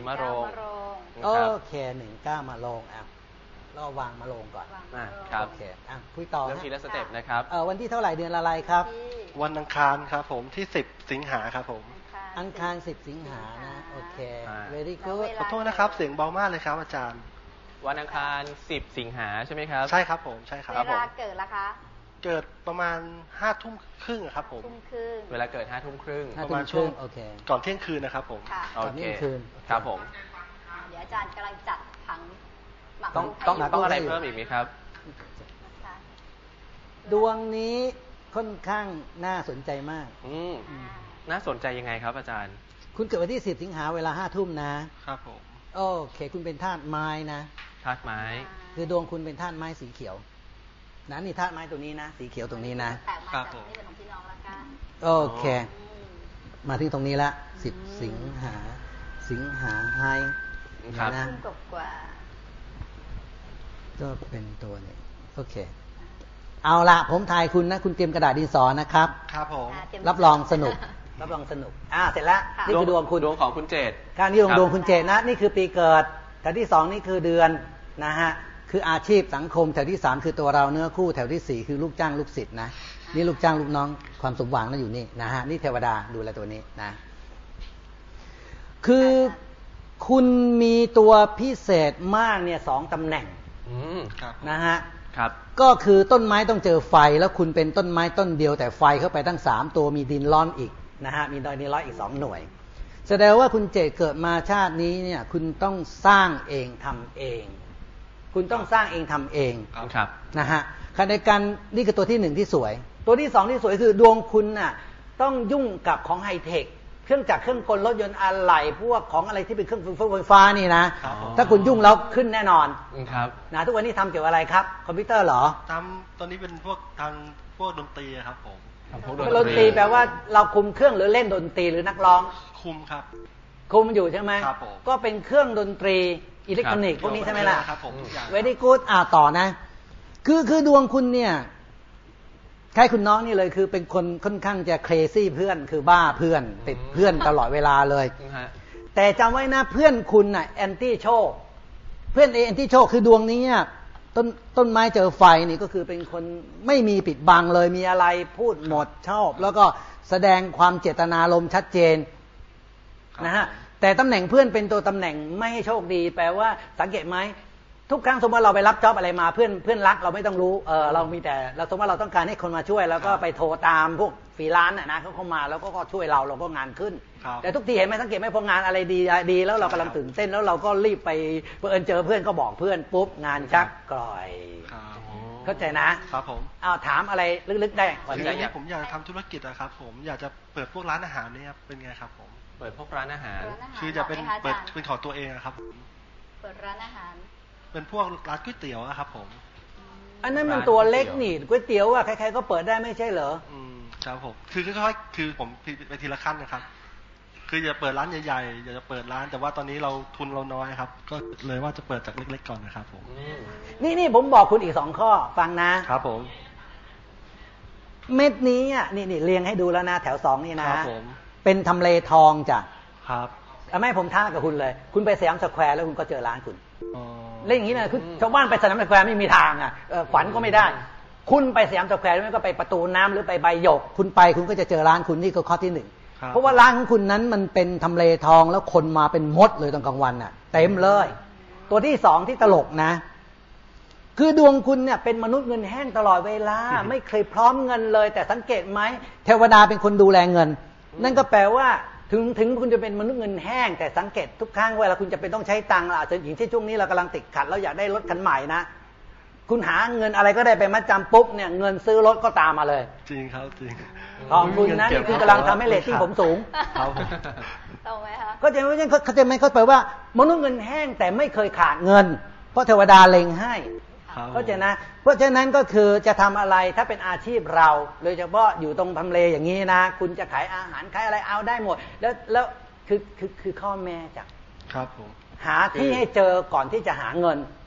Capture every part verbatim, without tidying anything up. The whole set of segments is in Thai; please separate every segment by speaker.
Speaker 1: มะโรง
Speaker 2: โอเคหนึ่งเก้ามะโรงอ่ะเราวางมะโรงก่อน
Speaker 1: อ่าครับ
Speaker 2: โอเคอ่ะคุยต่อ
Speaker 1: เริ่มทีละสเต็ปนะครับ
Speaker 2: เออวันที่เท่าไหร่เดือนอะไรครับ
Speaker 3: วันอังคารครับผมที่สิบสิงหาครับผม
Speaker 2: อังคารสิบสิงหานะโอเค very good
Speaker 3: ขอโทษนะครับเสียงเบามากเลยครับอาจารย์
Speaker 1: วันอังคารสิบสิงหาใช่ไหมครับ
Speaker 3: ใช่ครับผมใช่ครับ
Speaker 4: เวลาเกิดละคะ
Speaker 3: เกิดประมาณห้าทุ่มครึ่งครับผม
Speaker 1: เวลาเกิดห้าทุ่มครึ่ง
Speaker 2: ประมาณช่วงโอเค
Speaker 3: ก่อนเที่ยงคืนนะครับผม
Speaker 2: ก่อนเที่ยงคืน
Speaker 1: ครับผม
Speaker 4: เดี๋ยวอาจารย์กำลังจัดผัง
Speaker 1: ต้องต้องต้องอะไรเพิ่มอีกไหมครับ
Speaker 2: ดวงนี้ค่อนข้างน่าสนใจมาก
Speaker 1: อืมน่าสนใจยังไงครับอาจารย์
Speaker 2: คุณเกิดวันที่สิบสิงหาเวลาห้าทุ่มนะครับ
Speaker 3: ผม
Speaker 2: โอเคคุณเป็นธาตุไม้นะ
Speaker 1: ธาตุไม้
Speaker 2: คือดวงคุณเป็นธาตุไม้สีเขียวนะนี่ธาตุไม้ตัวนี้นะสีเขียวตรงนี้นะครับผมโอเคมาที่ตรงนี้ละสิบสิงหาสิงหาไฮนะก็เป็นตัวนี้โอเคเอาละผมทายคุณนะคุณเตรียมกระดาษดินสอนะครับ
Speaker 3: ครับผม
Speaker 2: รับรองสนุกรับรองสนุกอ่าเสร็จแล้วนี่คือดวงคุณ
Speaker 1: ดวงของคุณเจต
Speaker 2: การนี้ดวงดวงคุณเจตนะนี่คือปีเกิดแถวที่สองนี่คือเดือนนะฮะคืออาชีพสังคมแถวที่สามคือตัวเราเนื้อคู่แถวที่สี่คือลูกจ้างลูกศิษย์นะนี่ลูกจ้างลูกน้องความสมหวังนั่นอยู่นี่นะฮะนี่เทวดาดูแลตัวนี้นะคือคุณมีตัวพิเศษมากเนี่ยสองตำแหน่งนะฮะ
Speaker 1: ครับ
Speaker 2: ก็คือต้นไม้ต้องเจอไฟแล้วคุณเป็นต้นไม้ต้นเดียวแต่ไฟเข้าไปตั้งสามตัวมีดินร้อนอีกนะฮะมีดินร้อนอีกสองหน่วยแสดงว่าคุณเจตเกิดมาชาตินี้เนี่ยคุณต้องสร้างเองทำเองคุณต้องสร้างเองทำเอง
Speaker 1: ครับ
Speaker 2: นะฮะขณะเดียวกันนี่คือตัวที่หนึ่งที่สวยตัวที่สองที่สวยคือดวงคุณน่ะต้องยุ่งกับของไฮเทคเครื่องจักรเครื่องกลรถยนต์อะไหล่พวกของอะไรที่เป็นเครื่องไฟฟ้านี่นะถ้าคุณยุ่งแล้วขึ้นแน่นอน
Speaker 1: ครับ
Speaker 2: นะทุกวันนี้ทำเกี่ยวกับอะไรครับคอมพิวเตอร์เหรอ
Speaker 3: ทำตอนนี้เป็นพวกทางพวกดนตรีครับผม
Speaker 2: ดนตรีแปลว่าเราคุมเครื่องหรือเล่นดนตรีหรือนักร้อง
Speaker 3: คุมครับ
Speaker 2: คุมอยู่ใช่ไหม
Speaker 3: ครับผม
Speaker 2: ก็เป็นเครื่องดนตรีอิเล็กทรอนิกส์พวกนี้ใช่ไหมล่ะ
Speaker 3: ครับผม
Speaker 2: เวดี้กู๊ดอ่าต่อนะคือคือดวงคุณเนี่ยใครคุณน้องนี่เลยคือเป็นคนค่อนข้างจะเครซี่เพื่อนคือบ้าเพื่อนติดเพื่อนตลอดเวลาเลยแต่จำไว้นะเพื่อนคุณน่ะแอนตี้โชคเพื่อนแอนตี้โชคคือดวงนี้ต้นต้นไม้เจอไฟนี่ก็คือเป็นคนไม่มีปิดบังเลยมีอะไรพูดหมดชอบแล้วก็แสดงความเจตนารมณ์ชัดเจนนะฮะแต่ตำแหน่งเพื่อนเป็นตัวตำแหน่งไม่ให้โชคดีแปลว่าสังเกตไหมทุกครั้งสมมติเราไปรับจ็อบอะไรมาเพื่อนเพื่อนรักเราไม่ต้องรู้เออเรามีแต่เราสมมติเราต้องการให้คนมาช่วยแล้วก็ไปโทรตามพวกฟรีแลนซ์นะเขาเข้ามาแล้วก็ช่วยเราเราก็งานขึ้นแต่ทุกทีเห็นไหมสังเกตไหมพองานอะไรดีดีแล้วเรากำลังตื่นเต้นแล้วเราก็รีบไปเพื่อนเจอเพื่อนก็บอกเพื่อนปุ๊บงานชักกร่อยเข้าใจนะครับ
Speaker 3: ผม
Speaker 2: อ้าวถามอะไรลึกๆได้
Speaker 3: วันนี้ผมอยากจะทำธุรกิจอะครับผมอยากจะเปิดพวกร้านอาหารเนี่ยเป็นไงครับผม
Speaker 1: เปิดพวกร้านอาหาร
Speaker 3: คือจะเป็นเปิดเป็นของตัวเองครับ
Speaker 4: เปิดร้านอาหาร
Speaker 3: เป็นพวกร้านก๋วยเตี๋ยวอะครับผม
Speaker 2: อันนั้นมันตัวเล็กนี่ก๋วยเตี๋ยวอะใครๆก็เปิดได้ไม่ใช่เหรอ
Speaker 3: อืมครับผมคือค่อยๆคือผมไปทีละขั้นนะครับคืออย่าเปิดร้านใหญ่ๆอย่าจะเปิดร้านแต่ว่าตอนนี้เราทุนเราน้อยครับก็เลยว่าจะเปิดจากเล็กๆก่อนนะครับผม
Speaker 2: นี่นี่ผมบอกคุณอีกสองข้อฟังนะครับ
Speaker 3: ผม
Speaker 2: เม็ดนี้อ่ะนี่นี่เรียงให้ดูแล้วนะแถวสองนี่นะครับ
Speaker 3: ผม
Speaker 2: เป็นทำเลทองจ้ะ
Speaker 3: ครับ
Speaker 2: ไม่ผมท้ากับคุณเลยคุณไปสยามสแควร์แล้วคุณก็เจอร้านคุณเล่นอย่างนี้นะคือชาวบ้านไปสยามสแควร์ไม่มีทางอ่ะฝันก็ไม่ได้คุณไปสยามสแควร์ไม่ก็ไปประตูน้ำหรือไปใบหยกคุณไปคุณก็จะเจอร้านคุณนี่ก็ข้อที่หนึ่งเพราะว่าร้านของคุณนั้นมันเป็นทำเลทองแล้วคนมาเป็นมดเลยตอนกลางวันน่ะเต็มเลยตัวที่สองที่ตลกนะคือดวงคุณเนี่ยเป็นมนุษย์เงินแห้งตลอดเวลาไม่เคยพร้อมเงินเลยแต่สังเกตไหมเทวดาเป็นคนดูแลเงินนั่นก็แปลว่าถึงถึงคุณจะเป็นมนุษย์เงินแห้งแต่สังเกตทุกครั้งเวลาคุณจะเป็นต้องใช้ตังค์อาจจะอย่างเช่นช่วงนี้เรากำลังติดขัดเราอยากได้รถคันใหม่นะคุณหาเงินอะไรก็ได้ไปมัดจำปุ๊บเนี่ยเงินซื้อรถก็ตามมาเลย
Speaker 3: จริงครับจริง
Speaker 2: ขอบคุณนะนี่คือกำลังทำให้เรตติ้งผมสูง
Speaker 4: ตรงไหมคะ
Speaker 2: ก็จะไม่ใช่เขาจะไม่เข้าใจว่ามนุษย์เงินแห้งแต่ไม่เคยขาดเงินเพราะเทวดาเล็งให้เพราะฉะนั้นเพราะฉะนั้นก็คือจะทำอะไรถ้าเป็นอาชีพเราโดยเฉพาะอยู่ตรงทำเลอย่างนี้นะคุณจะขายอาหารขายอะไรเอาได้หมดแล้วแล้วคือคือคือข้อแม่จาก
Speaker 3: ครับผม
Speaker 2: หาที่ให้เจอก่อนที่จะหาเงิน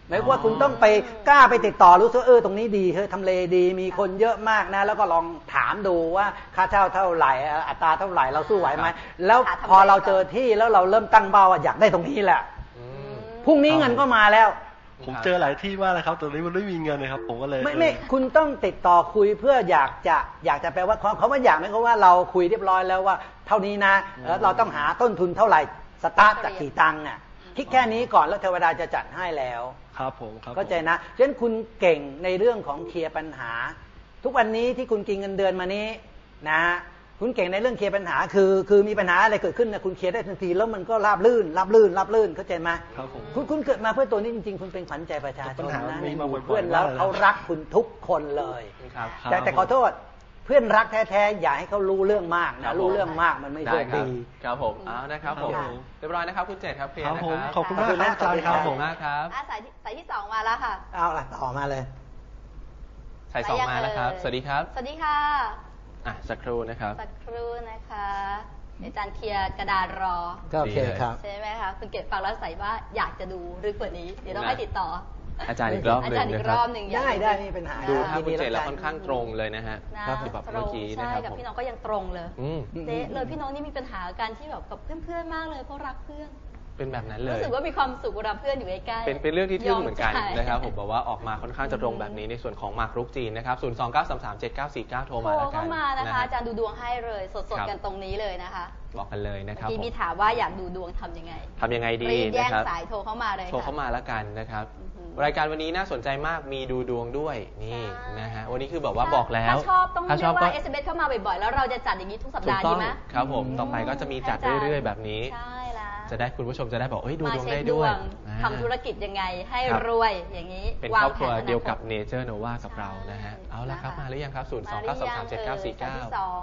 Speaker 2: หมายความว่าคุณต้องไปกล้าไปติดต่อรู้สึกเออตรงนี้ดีเฮ้ยทำเลดีมีคนเยอะมากนะแล้วก็ลองถามดูว่าค่าเช่าเท่าไหร่อัตราเท่าไหร่เราสู้ไหวไหมแล้วพอเราเจอที่แล้วเราเริ่มตั้งเป้าว่าอยากได้ตรงนี้แหละพรุ่งนี้เงินก็มาแล้ว
Speaker 3: ผมเจอหลายที่มากเลยครับตอนนี้มันไม่มีเงินเลยครับผมก็เลย
Speaker 2: ไม่ไม่คุณต้องติดต่อคุยเพื่ออยากจะอยากจะแปลว่าเขาว่าอยากไหมเขาว่าเราคุยเรียบร้อยแล้วว่าเท่านี้นะแล้วเราต้องหาต้นทุนเท่าไหร่สตาร์ทจากกี่ตังค์อ่ะคิดแค่นี้ก่อนแล้วเทวดาจะจัดให้แล้ว
Speaker 3: ครับผมครับ
Speaker 2: เข้าใจนะฉะนั้นคุณเก่งในเรื่องของเคลียร์ปัญหาทุกวันนี้ที่คุณกินเงินเดือนมานี้นะคุณเก่งในเรื่องเคลียร์ปัญหาคือคือมีปัญหาอะไรเกิดขึ้นนะคุณเคลียร์ได้ทันทีแล้วมันก็ราบลื่นราบลื่นราบลื่นเข้าใจไหม
Speaker 3: ครับผม
Speaker 2: คุณคุณเกิดมาเพื่อตัวนี้จริงๆคุณเป็นขวัญใจประชาชนนะในหมู่เพื่อนแล้วเขารักคุณทุกคนเลยแต่แต่ขอโทษเพื่อนรักแท้ๆอย่าให้เขารู้เรื่องมากนะรู้เรื่องมากมันไม่โชคดี
Speaker 1: ครับผมเอานะครับผมเรียบร้อยนะครับคุณเจตครับเคลียร์นะครับ
Speaker 3: ขอบคุณมากครับอาจารย์ครับผม
Speaker 1: มากครับ
Speaker 4: สายสายที่สองมาแล้วค่ะ
Speaker 2: เอาล่ะต่อมาเลย
Speaker 1: สายสองมาแล้วครับสวัสดีครับ
Speaker 4: สวัสดีค่ะ
Speaker 1: อ่ะสักครู่นะครับ
Speaker 4: สักครู่นะคะอาจารย์เคลียร์กระดานรอ
Speaker 2: ก็โอเคครับ
Speaker 4: ใช่ไหมคะคุณเกศฟังแล้วใส่ว่าอยากจะดูลึกกว่านี้เดี๋ยวต้องให้ติดต่อ
Speaker 1: อาจารย์อีกรอบหนึ่งนะครับ
Speaker 2: ได้ได้ไม่เป็นปัญหา
Speaker 1: ดูถ้าคุณเจตแล้วค่อนข้างตรงเลยนะฮะ
Speaker 4: ครับแบบเมื่อกี้นะครับใช่กับพี่น้องก็ยังตรงเลยเจ๊เลยพี่น้องนี่มีปัญหาการที่แบบกับเพื่อนๆมากเลยเพราะรักเพื่อน
Speaker 1: เป็นแบบนั้นเลย
Speaker 4: รู้สึกว่ามีความสุขเวลาเพื่อนอยู่ใกล้ๆ
Speaker 1: เป็นเป็นเรื่องที่ทึ่งเหมือนกันนะครับผมบอกว่าออกมาค่อนข้างจะตรงแบบนี้ในส่วนของหมากรุกจีนนะครับศูนย์ สอง เก้า สาม สาม เจ็ด เก้า สี่ เก้าโทรมาแล้วกันโทร
Speaker 4: เข้ามานะคะอาจารย์ดูดวงให้เลยสดๆกันตรงนี้เลยนะคะ
Speaker 1: บอกกันเลยนะครับ
Speaker 4: ที่มีถามว่าอยากดูดวงทำยังไง
Speaker 1: ทำยังไงดี
Speaker 4: นะครับแย่งสายโทรเข้ามาเลย
Speaker 1: โทรเข้ามาแล้วกันนะครับรายการวันนี้น่าสนใจมากมีดูดวงด้วยนี่นะฮะวันนี้คือแบบว่าบอกแล้ว
Speaker 4: ถ้าชอบต้องเรียกว่า เอส เอ็ม เอส เข้ามาบ่อยๆแล้วเราจะจัดอย่างนี้ทุกสัปดาห์ดีไหม
Speaker 1: ครับผมต่อไปก็จะมีจัดเรื่อยๆแบบนี้
Speaker 4: ใช่แล้ว
Speaker 1: จะได้คุณผู้ชมจะได้บอกเอ้ยดูดวงได้ด้วย
Speaker 4: ทำธุรกิจยังไงให้รวยอย่างนี้
Speaker 1: เป็นครอบครัวเดียวกับเนเจอร์โนวากับเรานะฮะเอาละครับมาหรือยังครับศูนย์ สอง เก้า สาม สาม เจ็ด เก้า สี่ เก้า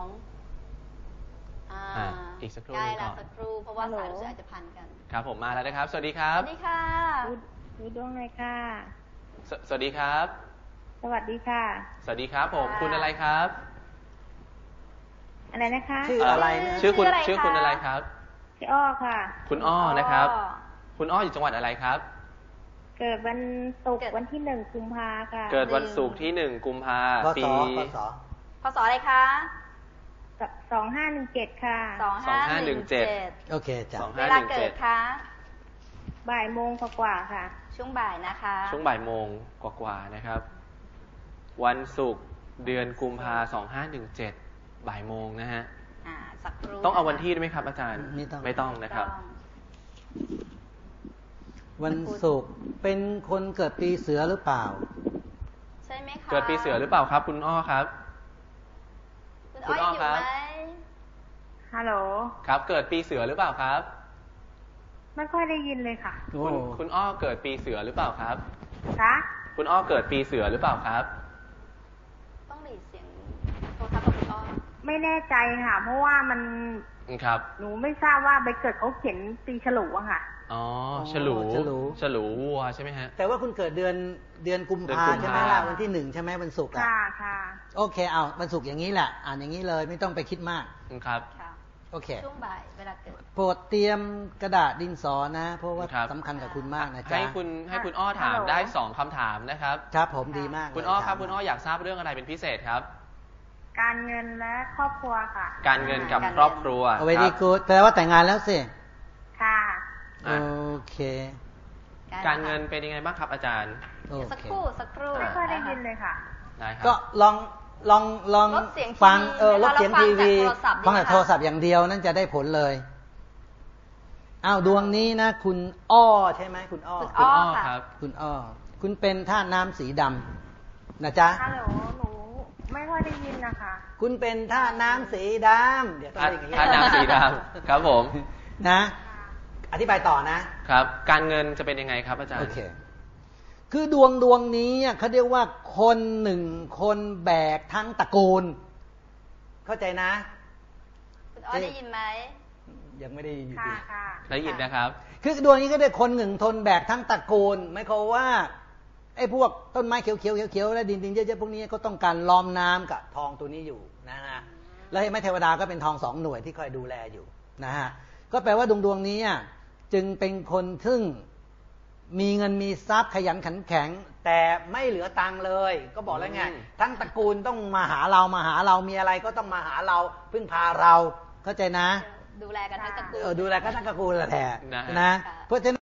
Speaker 1: อ่าอีกสักครู่
Speaker 4: นึงก่อนสักครู่เพราะว่าสายเราอาจจะพันกัน
Speaker 1: ครับผมมาแล้วนะครับสวัสดีครับ
Speaker 4: สวัสดีค่ะ
Speaker 5: ดูดวงเลยค่ะ
Speaker 1: สวัสดีครับ
Speaker 5: สวัสดีค่ะ
Speaker 1: สวัสดีครับผมคุณอะไรครับ
Speaker 5: อะไรนะคะ
Speaker 2: ชื่ออะไร
Speaker 1: ชื่อคุณชื่อคุณอะไรครับ
Speaker 5: ชื่ออ้อค่ะ
Speaker 1: คุณอ้อนะครับคุณอ้ออยู่จังหวัดอะไรครับ
Speaker 5: เกิดวันศุกร์วันที่หนึ่งกุมภาค่ะ
Speaker 1: เกิดวันศุกร์ที่หนึ่งกุมภาปี
Speaker 2: พศ
Speaker 4: พศอะไรคะ
Speaker 5: สองห้าหนึ่งเจ็ดค่ะ
Speaker 4: สองห้าหนึ่งเจ็ด
Speaker 2: โอเคจ้ะ
Speaker 4: เวลาเกิดคะ
Speaker 5: บ่ายโมงกว่าๆค่ะ
Speaker 4: ช่วงบ่ายนะคะ
Speaker 1: ช่วงบ่ายโมงกว่าๆนะครับวันศุกร์เดือนกุมภาสองห้าหนึ่งเจ็ดบ่ายโมงนะฮะต้องเอาวันที่ด้วยไหมครับอาจารย์
Speaker 2: ไม่ต้อง
Speaker 1: ไม่ต้องนะครับ
Speaker 2: วันศุกร์เป็นคนเกิดปีเสือหรือเปล่า
Speaker 4: ใช่ไหมคะ
Speaker 1: เกิดปีเสือหรือเปล่าครับคุณอ้อครับ
Speaker 4: คุณอ้อครับ
Speaker 5: ฮัลโหล
Speaker 1: ครับเกิดปีเสือหรือเปล่าครับ
Speaker 5: ไม่ค่อยได้ยินเลยค่ะ
Speaker 1: คุณคุณอ้อเกิดปีเสือหรือเปล่าครับ
Speaker 5: คะ
Speaker 1: คุณอ้อเกิดปีเสือหรือเปล่าครับ
Speaker 4: ต้องหลีเสียงโทรศัพท์กับคุณอ้อ
Speaker 5: ไม่แน่ใจค่ะเพราะว่ามัน
Speaker 1: ครับ
Speaker 5: หนูไม่ทราบว่าใบเกิดเขาเขียนปีฉลูอะค่ะ
Speaker 1: อ๋อฉลูฉลูฉลูวัวใช่ไหมฮะ
Speaker 2: แต่ว่าคุณเกิดเดือนเดือนกุมภาใช่ไหมล่ะวันที่หนึ่งใช่ไหมวันศุกร์อ่ะ
Speaker 5: ค่ะค่ะ
Speaker 2: โอเคเอาวันศุกร์อย่างนี้แหละอ่านอย่างนี้เลยไม่ต้องไปคิดมาก
Speaker 1: ครับ
Speaker 2: โอเค
Speaker 4: ช่วงบ่ายเวลาเกิด
Speaker 2: โปรดเตรียมกระดาษดินสอนะเพราะว่าสำคัญกับคุณมากนะจ๊ะ
Speaker 1: ให้คุณให้คุณอ้อถามได้สองคำถามนะครับ
Speaker 2: ครับผมดีมาก
Speaker 1: คุณอ้อครับคุณอ้ออยากทราบเรื่องอะไรเป็นพิเศษครับ
Speaker 5: การเงินและครอบครัวค่ะ
Speaker 1: การเงินกับครอบครัว
Speaker 2: เอาไว้ดีกูแปลว่าแต่งงานแล้วสิ
Speaker 5: ค่ะ
Speaker 2: โอเค
Speaker 1: การเงินเป็นยังไงบ้างครับอาจารย์
Speaker 4: สักครู่สักครู่
Speaker 5: ไม่ค่อยได้ยินเลยค่ะ
Speaker 2: ก็ลองลองลองฟังเออลดเสียงทีวีฟังจากโทรศัพท์อย่างเดียวนั่นจะได้ผลเลยอ้าวดวงนี้นะคุณอ้อใช่ไหมคุณอ้อ
Speaker 1: คุณอ้อครับ
Speaker 2: คุณอ้อคุณเป็นธาตุน้ำสีดำนะจ๊ะ
Speaker 5: ฮัลโหลหนูไม่ค่อยได้ยินนะคะ
Speaker 2: คุณเป็นธาตุน้ำสีดำเดี๋ยวต้องอย่างนี้
Speaker 1: ธาตุน้ำสีดำครับผม
Speaker 2: นะอธิบายต่อนะครับ
Speaker 1: การเงินจะเป็นยังไงครับอาจารย์
Speaker 2: โอเคคือดวงดวงนี้เขาเรียกว่าคนหนึ่งคนแบกทั้งตระกูลเข้าใจนะ
Speaker 4: คุณอ้อได้ยินไหม
Speaker 2: ยังไม่ได้ยิน
Speaker 5: ค่ะค่ะ
Speaker 1: ได้ยินนะครับ
Speaker 2: คือดวงนี้ก็ได้คนหนึ่งทนแบกทั้งตระกูลไม่เขาว่าไอ้พวกต้นไม้เขียวเขียวเขียวและดินดินเยอะๆพวกนี้ก็ต้องการล้อมน้ำกับทองตัวนี้อยู่นะฮะแล้วไม้เทวดาก็เป็นทองสองหน่วยที่คอยดูแลอยู่นะฮะก็แปลว่าดวงดวงนี้จึงเป็นคนซึ่งมีเงินมีทรัพย์ขยันขันแข็งแต่ไม่เหลือตังค์เลย ก็บอกแล้วไงทั้งตระกูลต้องมาหาเรามาหาเรามีอะไรก็ต้องมาหาเราพึ่งพาเราเข้าใจนะ
Speaker 4: ดูแลกันทั้งตระกูล
Speaker 2: เออดูแลกันทั้งตระกูลแหละนะ
Speaker 4: นะ
Speaker 2: เพราะฉะนั้น